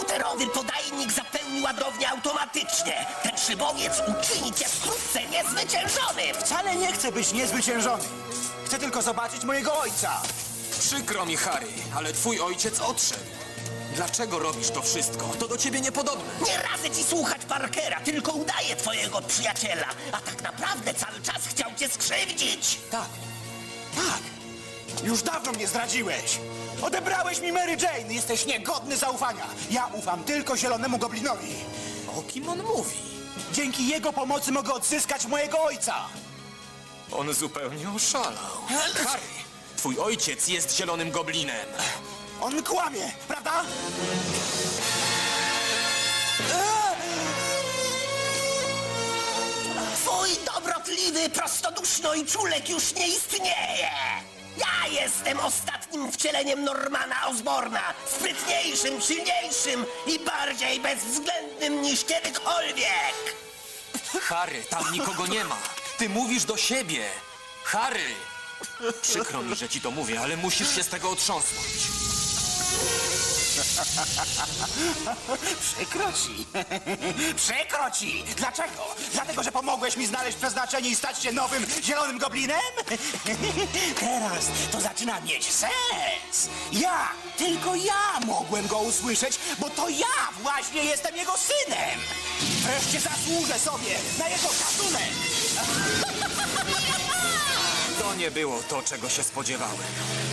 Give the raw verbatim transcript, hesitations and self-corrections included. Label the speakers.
Speaker 1: Komputerowy podajnik zapełni ładownię automatycznie. Ten szybowiec uczyni cię wkrótce niezwyciężonym.
Speaker 2: Wcale nie chcę być niezwyciężony. Chcę tylko zobaczyć mojego ojca.
Speaker 3: Przykro mi, Harry, ale twój ojciec odszedł. Dlaczego robisz to wszystko? To do ciebie niepodobne.
Speaker 1: Nie radzę ci słuchać Parkera, tylko udaje twojego przyjaciela. A tak naprawdę cały czas chciał cię skrzywdzić.
Speaker 2: Tak, tak. Już dawno mnie zdradziłeś. Odebrałeś mi Mary Jane. Jesteś niegodny zaufania. Ja ufam tylko Zielonemu Goblinowi.
Speaker 3: O kim on mówi?
Speaker 2: Dzięki jego pomocy mogę odzyskać mojego ojca.
Speaker 3: On zupełnie oszalał. Harry, twój ojciec jest zielonym goblinem.
Speaker 2: On kłamie, prawda?
Speaker 1: Twój dobrotliwy, prostoduszno i czulek już nie istnieje. Ja jestem ostatnim wcieleniem Normana Osborna, sprytniejszym, silniejszym i bardziej bezwzględnym niż kiedykolwiek.
Speaker 3: Harry, tam nikogo nie ma. Ty mówisz do siebie. Harry! Przykro mi, że ci to mówię, ale musisz się z tego otrząsnąć.
Speaker 2: Przykro ci. Przykro ci. Dlaczego? Dlatego, że pomogłeś mi znaleźć przeznaczenie i stać się nowym Zielonym Goblinem? Teraz to zaczyna mieć sens. Ja, tylko ja mogłem go usłyszeć, bo to ja właśnie jestem jego synem. Wreszcie zasłużę sobie na jego szacunek.
Speaker 3: To nie było to, czego się spodziewałem.